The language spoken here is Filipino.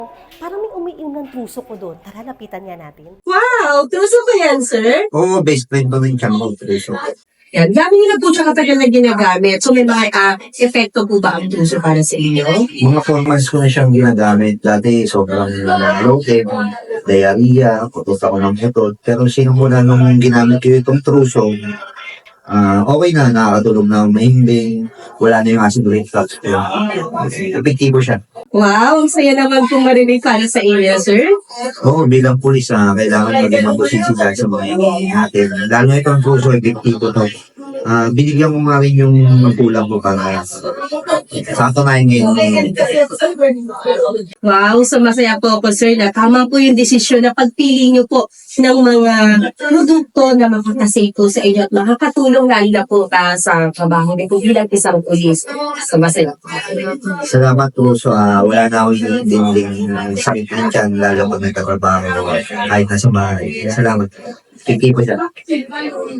Parang may umiinom ng truso ko doon. Tara, lapitan nga natin. Wow! Truso ko yan, sir? Oo, best friend ko rin siya mo, Triso. Yan. Dami nyo na po siya katagal na ginagamit. So may mga epekto po ba ang truso para sa inyo? Mga 4 months ko na siyang ginagamit. Dati sobrang bloated, diarrhea, kutot ako ng kutot. Pero sinumula nung ginamit ko itong truso, okay na, nakakatulog na mahimbing, wala na yung acid reflux ko. Epektibo siya. Wow! Ang saya naman pong marinig para sa inyo, sir. Oo, bilang pulis, kailangan maging mabusisita sa mga natin. Lalo na itong truso, epektibo to. Binigyan ko nga rin yung magulang ko para sa katunayan ngayon. Wow! So masaya po ako, sir, na tama po yung desisyon na pagpili nyo po ng mga produkto na makakasave po sa inyo at makakatulong lalo na po sa trabaho niyo po bilang isang pulis. So masaya po. Salamat po. So, wala na akong dinding sakit ng tiyan, lalo pag nagtatrabaho kahit nasa bahay. Salamat. Kiki po siya.